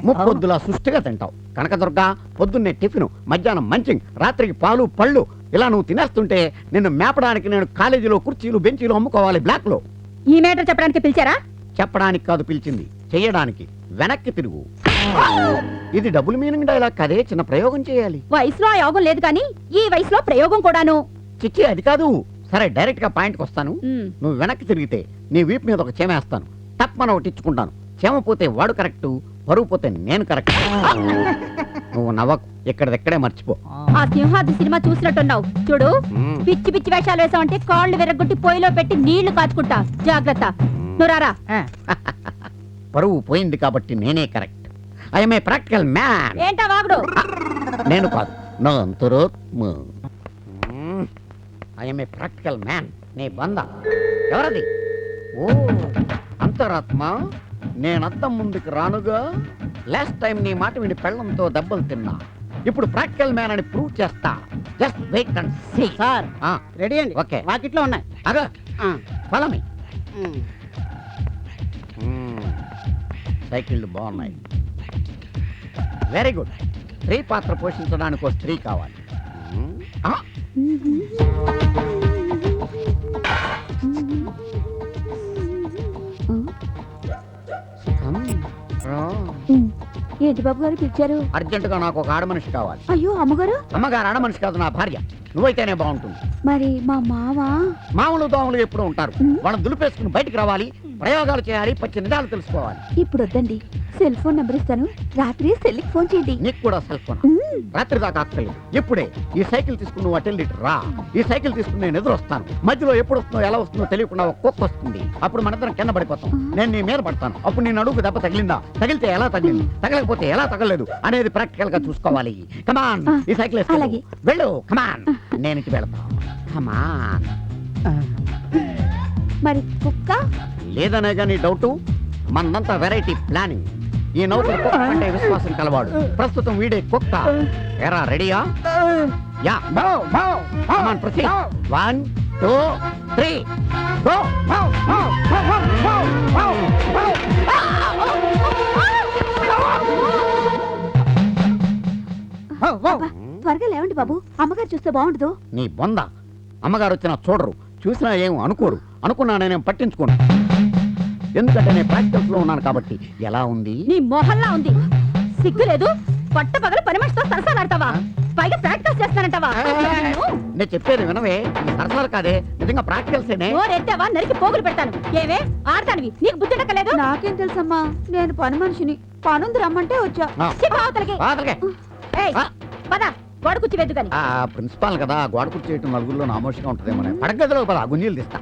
ముప్పొద్దులా సుష్టిగా తింటావు. కనకదుర్గ పొద్దున్నే టిఫిన్, మధ్యాహ్నం మంచింగ్, రాత్రికి పాలు పళ్ళు, ఇలా నువ్వు తినేస్తుంటే నిన్ను మేపడానికి నేను కాలేజీలో కుర్చీలు బెంచీలు అమ్ముకోవాలి బ్లాక్ లో. ఈ మేటర్ చెప్పడానికి పిలిచారా? చెప్పడానికి కాదు పిలిచింది, చెయ్యడానికి. వెనక్కి తిరుగు. ఇది డబుల్ మీనింగ్ డైలాగ్ కదే, చిన్న ప్రయోగం చేయాలి. వయసులో ఆ యోగం లేదు కానీ ఈ వయసులో ప్రయోగం కూడాను. చిచ్చి అది కాదు. సరే డైరెక్ట్ గా పాయింట్కి వస్తాను. నువ్వు వెనక్కి తిరిగితే నీ వీపు మీద ఒక చేమేస్తాను, తప్పన ఒకటి ఇచ్చుకుంటాను. చేమ పోతే వాడు కరెక్ట్, పరువు పోతే నేను కరెక్ట్. నువ్వు నవ్వకు, ఇక్కడెక్కడే మర్చిపో. ఆ సింహాద్రి సినిమా చూసినట్టున్నావు చూడు. పిచ్చి పిచ్చి వేషాలు వేసావంటే కాళ్ళు విరగొట్టి పొయ్యిలో పెట్టి నీళ్లు కాచుకుంటా, జాగ్రత్త. నువ్వు రారా. పరువు పోయింది కాబట్టి నేనే correct. I'm a practical man. ఏంటా వాగుడు? నేను కాదు, నా అంతరాత్మ. I'm a practical man. నీ బంద ఎవరది? ఓ అంతరాత్మ, నేనంతం ముందుకు రానుగా. లాస్ట్ టైం నీ మాట విని పెళ్ళంతో దెబ్బలు తిన్నా. ఇప్పుడు ప్రాక్టికల్ మ్యాన్ అని ప్రూవ్ చేస్తా. Just wait and see. Sir ready అండి. ఓకే, వాకిట్లో ఉన్నాయి. అదో ఫాలో మీ. సైకిళ్ళు బాగున్నాయి. Very good. స్త్రీ పాత్ర పోషించడానికి ఒక స్త్రీ కావాలి. ఏంటి బాబు గారు పిలిచారు? అర్జెంటుగా నాకు ఒక ఆడ మనిషి కావాలి. అయ్యో అమ్మగారు. అమ్మగారు ఆడ మనిషి కాదు, నా భార్య. నువ్వైతేనే బాగుంటుంది. మరి మా మామ? మామూలు దోమలు ఎప్పుడూ ఉంటారు. వాళ్ళని దులిపేసుకుని బయటికి రావాలి, ప్రయోగాలు చేయాలి, పచ్చి నిజాలు తెలుసుకోవాలి. ఇప్పుడు వద్దండి, సెల్ ఫోన్ నెంబర్ ఇస్తాను, రాత్రి సెల్కి ఫోన్ చేయండి. నీకు కూడా సెల్ ఫోన్? రాత్రి దాకా అక్కర్లేదు, ఇప్పుడే ఈ సైకిల్ తీసుకుని నువ్వు అటెండి రా. ఈ సైకిల్ తీసుకుని నేను ఎదురు వస్తాను. మధ్యలో ఎప్పుడు వస్తుందో ఎలా వస్తుందో తెలియకుండా ఒక కుక్క వస్తుంది. అప్పుడు మనందరం కింద పడిపోతాం. నేను నీ మీద పడతాను. అప్పుడు నీ నడుగు దెబ్బ తగిలిందా, తగిలితే ఎలా తగిలింది, తగలకపోతే ఎలా తగలలేదు అనేది ప్రాక్టికల్ గా చూసుకోవాలి. కమాన్, ఈ సైకిల్ వెళ్ళు. కమాన్, నేను ఇంటికి వెళ్తాను. కమాన్. మరి కుక్క లేదనేగా నీ డౌట్? మనంతా వెరైటీ ప్లానింగ్. ఈ నౌకరు కుక్క అంటే విశ్వాసం కలవాడు. ప్రస్తుతం వీడే కుక్క. ఎరా రెడీయా? యా. Come on proceed. 1 2 3 గో. త్వరగా లేవండి బాబు, అమ్మగారు చూస్తే బాగుండదు. నీ బొంద. అమ్మగారు వచ్చినా చూడరు, చూసినా ఏం అనుకోరు. అనుకున్నా నేనేం పట్టించుకోను, ఎందుకంటే నేను ప్రాక్టికల్స్ లో ఉన్నాను కాబట్టి. ఎలా ఉంది? నీ మొహల్లా ఉంది. సిగ్గు లేదు? పట్ట పగల పని మనిషితో సరసాలాడతావా? పైగా ప్రాక్టీస్ చేస్తానంటావా? నేను చెప్పేది వినవే, సరసాలు కాదే, నిజంగా ప్రాక్టికల్సేనే. ఎత్తావా నరికి పోగులు పెడతాను. ఏవే ఆడతానివి, నీకు బుద్ధి ఉండకలేదు? నాకేం తెలుసమ్మా, నేను పని మనిషిని. పనుంది రమ్మంటే వచ్చా. పద, గోడ కుర్చీ వెద్దు కానీ. ప్రిన్సిపాల్ కదా, గోడ కుర్చీ చేయటం నలుగురిలో నామోషిగా ఉంటుందేమో. పడగదిలో పద, గుంజీలు తీస్తా.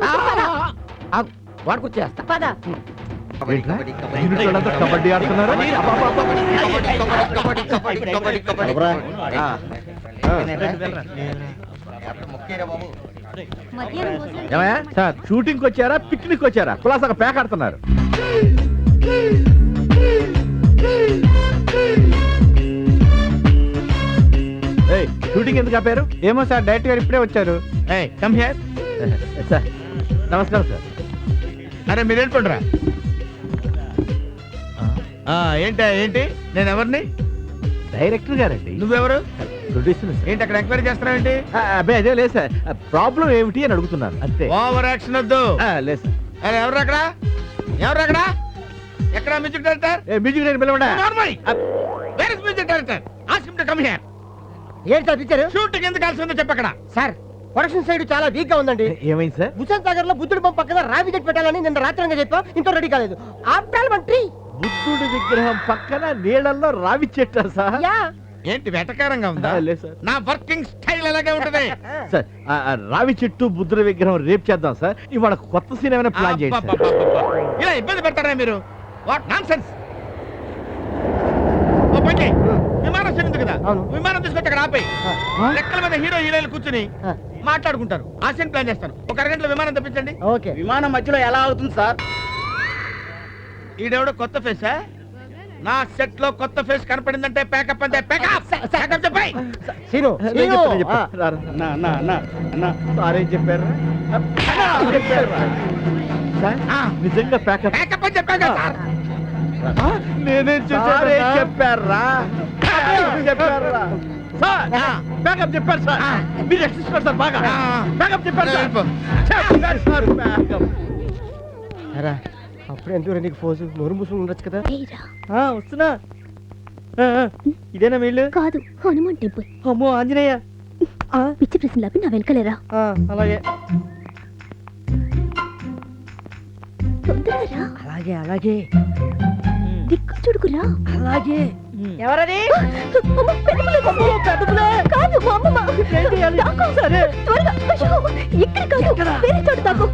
గోడ కుర్చీ వేస్తా. పద. కబడ్డీ ఆడుతున్నారు. సార్ షూటింగ్ వచ్చారా, పిక్నిక్ వచ్చారా? కులాసాగా ప్యాక్ ఆడుతున్నారు. షూటింగ్ ఎందుకు ఆపారు? ఏమో సార్, డైరెక్ట్ గారు ఇప్పుడే వచ్చారు. Come here. సార్ నమస్కారం సార్. అరే మీరు వెళ్ళిపోండిరా. ఏంటి నేను ఎవరిని? డైరెక్టర్ గారండి. నువ్వెవరు? ప్రొడ్యూసర్. ఏంటి అక్కడ ఎంక్వైరీ చేస్తున్నావేంటి? అబ్బాయి అదే లేదు సార్, ప్రాబ్లం ఏమిటి అని అడుగుతున్నాను అంతే. ఓవర్ యాక్షన్ వద్దు. లేదు సార్. అరే ఎవరు అక్కడ? ఎక్కడ మ్యూజిక్ డైరెక్టర్? మ్యూజిక్ డైరెక్టర్ పిలవండి. Where is music director? Ask him to come here. ఏంటి సార్ పిక్చర్? షూటింగ్ ఎందుకు కలిసి ఉందో చెప్పక్కడ. సార్ ప్రొడక్షన్ సైడ్ చాలా వీక్ గా ఉందండి. ఏమైంది సార్? హుసేన్ సాగర్ లో బుద్ధుడి బొమ్మ పక్కన రావి చెట్టు పెట్టాలని నిన్న రాత్రి చెప్పాం, ఇంత రెడీ కాలేదు. ఆఫ్టర్ మంత్రి బుద్ధుడి విగ్రహం పక్కన నీళ్ళల్లో రావి చెట్టు సార్. ఏంటి వెటకారంగా ఉందా? లేదు సార్, నా వర్కింగ్ స్టైల్ అలాగే ఉంటది. సార్ రావి చెట్టు బుద్ధుడి విగ్రహం రేపు చేద్దాం సార్. ఇవాళ కొత్త సీన్ ఏమైనా ప్లాన్ చేయండి. ఇలా ఇబ్బంది పెడతారా మీరు? What nonsense. విమానం చెంది కదా, విమానం తీసుకొచ్చి అక్కడ ఆపై లెక్కల మీద హీరో హీరోయిన్లు కూర్చుని మాట్లాడుకుంటారు. ఆ సీన్ ప్లాన్ చేస్తాను. ఒక అరగంటలో విమానం తెప్పించండి. ఓకే. విమానం మధ్యలో ఎలా అవుతుంది సార్? ఈడెవడో కొత్త ఫేసా? నా సెట్ లో కొత్త ఫేస్ కనపడిందంటే ప్యాకప్ అంతే. ప్యాకప్ చెప్పాయి. నిజంగా ప్యాకప్ అని చెప్పాను కదా సార్. నేనే సారే చెప్పారా చెప్పారా సార్ బ్యాకప్ చెప్పారు సార్ మీరు రక్షిస్తున్నారు సార్ బాగా బ్యాకప్ చెప్పారు సార్ చెప్పారు సార్ బ్యాకప్ అప్పుడు ఎందుకు నీకు ఫోజు నోరు మూసుకుని ఉండొచ్చు కదా వస్తున్నా ఇదేనా వీళ్ళు కాదు హనుమాన్ టెంపుల్. అమ్మో ఆంజనేయ పిచ్చి ప్రశ్నలు నా వెనకలేరా. అలాగే తొందరగా రా. అలాగే అలాగే దిక్కు చూడుకురా. అలాగే ఎవరది కాదు మా అమ్మమ్మ. దాక్కో. సరే త్వరగా. అయ్యో, ఇక్కడ కాదు వేరే చోటు దాక్కో.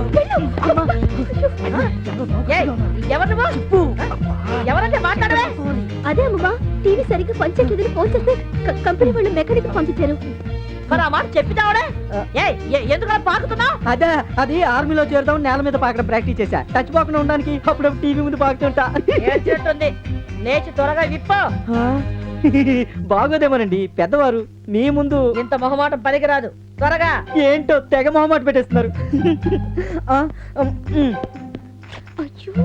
వెళ్ళు. ఎవరంటే మాట్లాడవే? అదే అమ్మమ్మ, టీవీ సరిగ్గా పనిచేయట్లేదని ఫోన్ చేస్తే కంపెనీ వాళ్ళు మెకానిక్ పంపించారు. మరి ఆ మాట చెప్పిదావడే? ఎందుకు పాకుతున్నావు? అదే అది ఆర్మీలో చేరుదాం నేల మీద పాకడం ప్రాక్టీస్ చేశా. టచ్ పోకుండా ఉండడానికి అప్పుడప్పుడు టీవీ ముందు పాకుతుంటా. ఏం చేస్తుంది? లేచి త్వరగా విప్పో. బాగోదేమోనండి పెద్దవారు మీ ముందు ఇంత మొహమాటం పనికిరాదు. త్వరగా. ఏంటో తెగ మొహమాట పెట్టేస్తున్నారు. అయ్యో,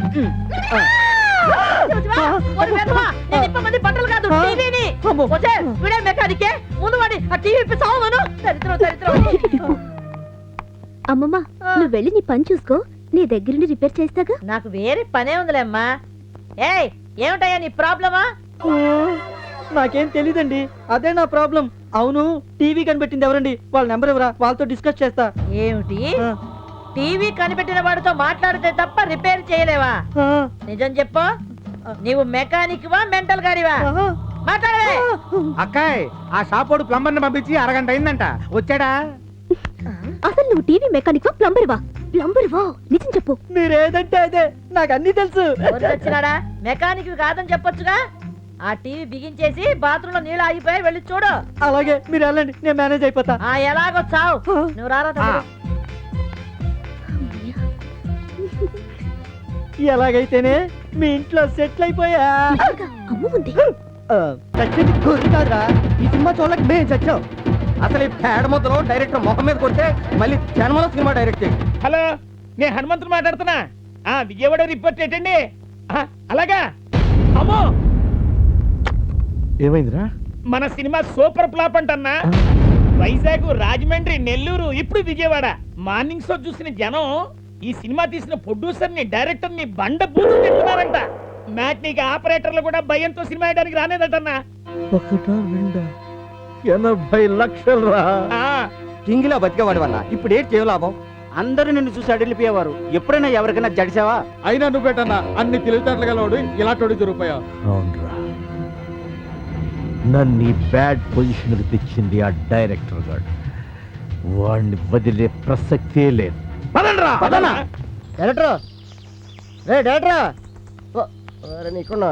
బట్టలు కాదు టీవీని. వీడే మెకానికే. ముందు వాడి ఆ టీవీ సావును. దరిద్రం దరిద్రం. అమ్మమ్మ నువ్వు వెళ్ళి నీ పని చూసుకో, నీ దగ్గరుండి రిపేర్ చేస్తాగా. నాకు వేరే పనే ఉందిలేమ్మా. ఏయ్ ఏమిటయ్యా నీ ప్రాబ్లమా? నాకేం తెలీదండి, అదే నా ప్రాబ్లం. అవును టీవీ కనిపెట్టింది ఎవరండి? వాళ్ళ నెంబర్ ఎవరా? వాళ్ళతో డిస్కస్ చేస్తా. ఏమిటి? టీవీ కనిపెట్టిన వాడితో మాట్లాడితే తప్ప రిపేర్ చేయలేవా? నిజం చెప్పు, నీవు మెకానిక్ వా మెంటల్ గాడివా? మాట్లాడవే. అక్కాయ్ ఆ షాపోడు ప్లంబర్ ని పంపించి అరగంట అయిందంట. వచ్చాడా? అసలు నువ్వు టీవీ మెకానిక్ వా ప్లంబర్ వా? ప్లంబర్ వా, నిజం చెప్పు. మీరేదంటే అదే, నాకు అన్ని తెలుసు. వచ్చినాడా? మెకానిక్ కాదని చెప్పొచ్చుగా. ఆ టీవీ బిగించేసి బాత్రూమ్ లో నీళ్ళు ఆగిపోయి వెళ్ళి చూడు. అలాగే మీరు వెళ్ళండి, నేను మేనేజ్ అయిపోతా. ఆ ఎలాగో చావు. నువ్వు రారా తమ్ముడు. ఎలాగైతేనే మీ ఇంట్లో సెటిల్ అయిపోయా. అమ్మ ఉంది. చచ్చింది గొర్రె కాదురా, ఈ సినిమా చూడలేక మేము చచ్చాం. అసలు ఈ పేడ ముద్దలో డైరెక్టర్ మొహం మీద కొడితే మళ్ళీ జన్మలో సినిమా డైరెక్ట్ చేయి. హలో, నేను హనుమంతుడు మాట్లాడుతున్నా. విజయవాడ రిపోర్ట్ ఏంటండి? అలాగా. అమ్మో, ఏమైందిరా? మన సినిమా సూపర్ ఫ్లాప్ అంటన్నా. వైజాగ్, రాజమండ్రి, నెల్లూరు, ఇప్పుడు విజయవాడ. మార్నింగ్ షో చూసిన జనం ఈ సినిమా తీసిన ప్రొడ్యూసర్ ని డైరెక్టర్ ని బండ బూతులు తింటున్నారంట. మ్యాట్నీకి ఆపరేటర్లు కూడా భయంతో సినిమా వేయడానికి రానేదటన్నా. 80 లక్షలు రా. కింగిలా బతికేవాడు వల్ల ఇప్పుడు ఏంటి చేయ లాభం? అందరూ నిన్ను చూసి అడిగిపోయేవారు. ఎప్పుడైనా ఎవరికైనా జడిసావా? అయినా నువ్వేటన్నా అన్ని తెలివితేటలు గలవాడు ఇలాంటి దొరికిపోయావు. అవునరా, నన్ను బ్యాడ్ పొజిషన్ తెచ్చింది ఆ డైరెక్టర్ గాడు. వాడిని వదిలే ప్రసక్తే లేదు. పదండ్రా, పదనా. డైరెక్టర్ రే డైరెక్టర్, నీకున్నా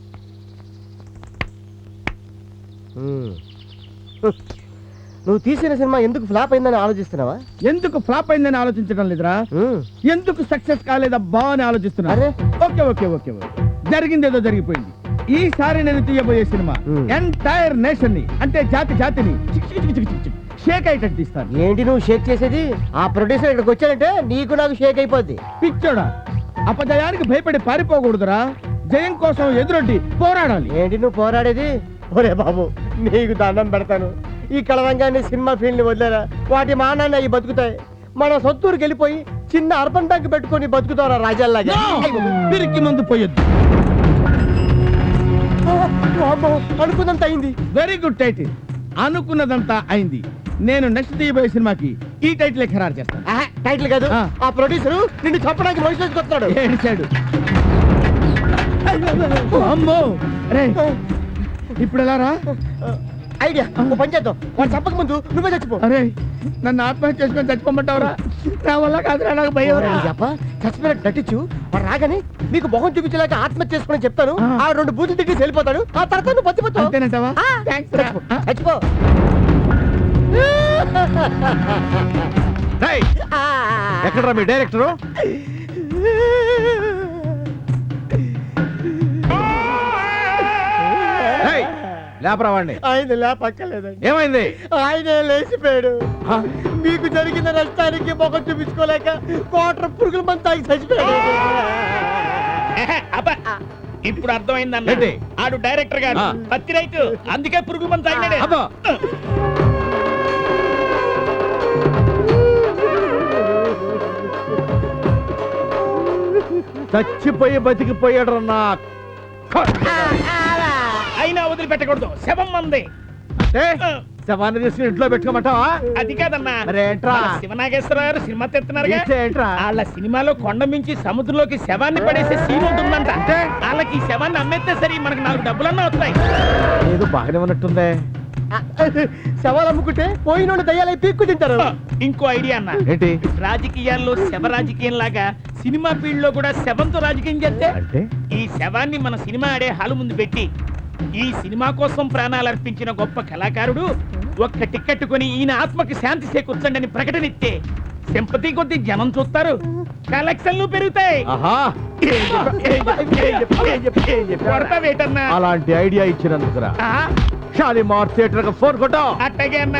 నువ్వు తీసిన సినిమా ఎందుకు ఫ్లాప్ అయిందని ఆలోచిస్తున్నావా? ఎందుకు ఫ్లాప్ అయిందని ఆలోచించడం లేదురా, ఎందుకు సక్సెస్ కాలేదబ్బా అని ఆలోచిస్తున్నా. అరే ఓకే ఓకే ఓకే ఓకే, జరిగింది ఏదో జరిగిపోయింది. ఈసారి నేను తీయబోయే సినిమా ఎంటైర్ నేషన్ ని, అంటే జాతిని షేక్ అయ్యేటట్టు తీస్తాను. ఏంటి నువ్వు షేక్ చేసేది? ఆ ప్రొడ్యూసర్ ఇక్కడికి వచ్చాడంటే నీకు నాకు షేక్ అయిపోద్ది. పిచ్చోడా, అపజయానికి భయపడి పారిపోకూడదురా, జయం కోసం ఎదురొడ్డి పోరాడాలి. ఏంటి నువ్వు పోరాడేది? ఒరే బాబు నీకు దండం పెడతాను, ఈ కళరంగాన్ని సినిమా ఫీల్డ్ ని వదిలేరా. వాటి మానాన్ని అవి బతుకుతాయి. మన సొత్తూరుకి వెళ్ళిపోయి చిన్న అర్బన్ ట్యాంక్ పెట్టుకొని బతుకుతారా రాజాల్లాగా. పిరికి ముందు పోయొద్దు. అనుకున్నంత అయింది. వెరీ గుడ్ టైటిల్, అనుకున్నదంతా అయింది. నేను నెక్స్ట్ తీయబోయే సినిమాకి ఈ టైటిల్ ఖరారు చేస్తాను. టైటిల్ కాదు, ఆ ప్రొడ్యూసర్ నిన్ను చంపడానికి మనిషి వచ్చుకొస్తాడు. ఏడిచాడు. అమ్మో రే, ఇప్పుడు ఎలా రా? ఐడియా, పని చేద్దాం. వాడు చంపక ముందు నువ్వే చచ్చిపో. అరే, నన్ను ఆత్మహత్య చేసుకొని చచ్చిపోమంటావురా? నా వల్ల కాదురా, నాకు భయం. చచ్చిపోయినట్టు నటించు. వాడు రాగానే మీకు మొహం చూపించలేక ఆత్మహత్య చేసుకుని చెప్తాను. ఆ 2 బూతులు తిట్టి వెళ్ళిపోతాడు. ఆ తర్వాత నువ్వు బతిపోతావు. అంతేనంటావా? చచ్చిపో. ఎక్కడరా మీ డైరెక్టరు? లేపరా వాడిని. ఆయన లేపక్కర్లేదండి. ఏమైంది? ఆయనే లేచిపోయాడు. మీకు జరిగిన నష్టానికి మొహం చూపించుకోలేక 1 పురుగుల మంది తాగి చచ్చిపోయాడు. అబ్బా ఇప్పుడు అర్థమైందన్న ఏంటి? ఆడు డైరెక్టర్ గారు ఆ. పత్తి రైతు అందుకే పురుగు మందు తాగినాడే అబ్బా. చచ్చిపోయి బతికిపోయాడు నా అయినా వదిలిపెట్టకూడదు శవం మంది శవాన్ని తీసుకుని ఇంట్లో పెట్టుకోమంటావా? అది కాదన్నా మరేంట్రా? మన శివనాగేశ్వరరావు గారు సినిమా తెస్తున్నారుగా ఇస్తే ఏంట్రా? వాళ్ళ సినిమాలో కొండ మించి సముద్రంలోకి శవాన్ని పడేసే సీన్ ఉంటుందంట వాళ్ళకి ఈ శవాన్ని అమ్మేస్తే సరి మనకు 4 డబ్బులన్నా వస్తాయి ఏదో బాగానే ఉన్నట్టుందే. శవాలు అమ్ముకుంటే పోయినోళ్ళు దయ్యాలై పీక్కు తింటారు. ఇంకో ఐడియా అన్న ఏంటి రాజకీయాల్లో శవ రాజకీయం లాగా సినిమా ఫీల్డ్ లో కూడా శవంతో రాజకీయం చేస్తే అంటే? ఈ శవాన్ని మన సినిమా ఆడే హాలు ముందు పెట్టి ఈ సినిమా కోసం ప్రాణాలు అర్పించిన గొప్ప కళాకారుడు ఒక్క టికెట్ కొని ఈయన ఆత్మకి శాంతి చేకూర్చండి అని ప్రకటన ఇస్తే సింపతి కొద్ది జనం చూస్తారు కలెక్షన్లు పెరుగుతాయి ఆహా, కొడతా వేటన్నా అలాంటి ఐడియా ఇచ్చినందుకురా. ఆ, షాలిమార్ థియేటర్ ఫోన్ కొట్టా. అట్టగే అన్నా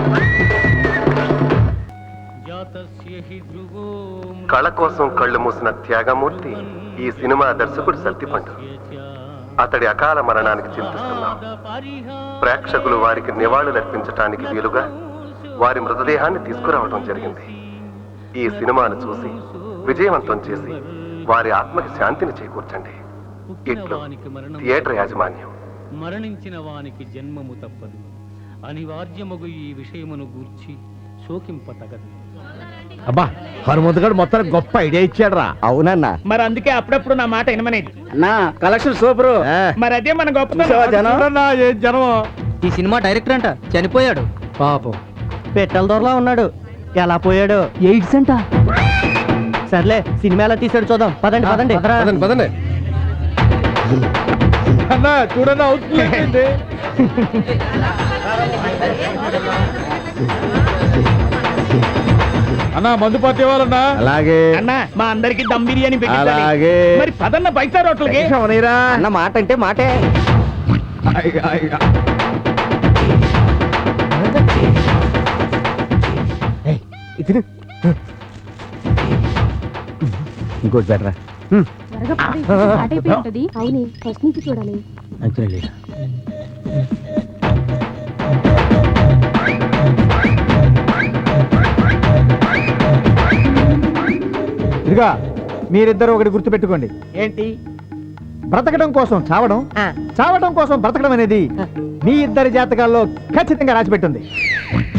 కళ కోసం కళ్ళు మూసిన త్యాగమూర్తి ఈ సినిమా దర్శకుడు సత్తిపండు. అతడి అకాల మరణానికి చింతిస్తున్నాం. ప్రేక్షకులు వారికి నివాళులర్పించటానికి వీలుగా వారి మృతదేహాన్ని తీసుకురావడం జరిగింది. ఈ సినిమాను చూసి విజయవంతం చేసి వారి ఆత్మకి శాంతిని చేకూర్చండి. ఇట్లు థియేటర్ యాజమాన్యం. మరణించిన వానికి జన్మము తప్పదు అనివార్యమగు ఈ విషయమును గూర్చి శోకింపతగదు. అబ్బా, హనుమంతు గారు మొత్తానికి గొప్ప ఐడియా ఇచ్చాడు రా. అవునన్నా మరి అందుకే అప్పుడప్పుడు నా మాట వినమనేది నా కలెక్షన్ సూపర్. మరి అదే మన గొప్ప ఏ జనం ఈ సినిమా డైరెక్టర్ అంట చనిపోయాడు పాపం. పెట్టెల దొరలా ఉన్నాడు. ఎలా పోయాడు? ఎయిడ్స్ అంట. సర్లే సినిమా ఎలా తీసాడు చూద్దాం. పదండి పదండి పదండి. అన్నా చూడన్నా అవుతుంది. అన్నా మందు పార్టీ వాళ్ళన్నా. అలాగే అన్న మా అందరికి దమ్ బిర్యానీ పెట్టించాలి. అలాగే. మరి పదన్న బయట రోట్లకి అన్న మాట అంటే మాటే. ఇది ఇంకోటి బెటరా. త్వరగా పది, స్టార్ట్ అయిపోయి ఉంటది. అవునే ఫస్ట్ నుంచి చూడాలి. ఇదిగా మీరిద్దరు ఒకటి గుర్తుపెట్టుకోండి. ఏంటి? బ్రతకడం కోసం చావడం, చావడం కోసం బ్రతకడం అనేది మీ ఇద్దరి జాతకాల్లో ఖచ్చితంగా రాసిపెట్టుంది.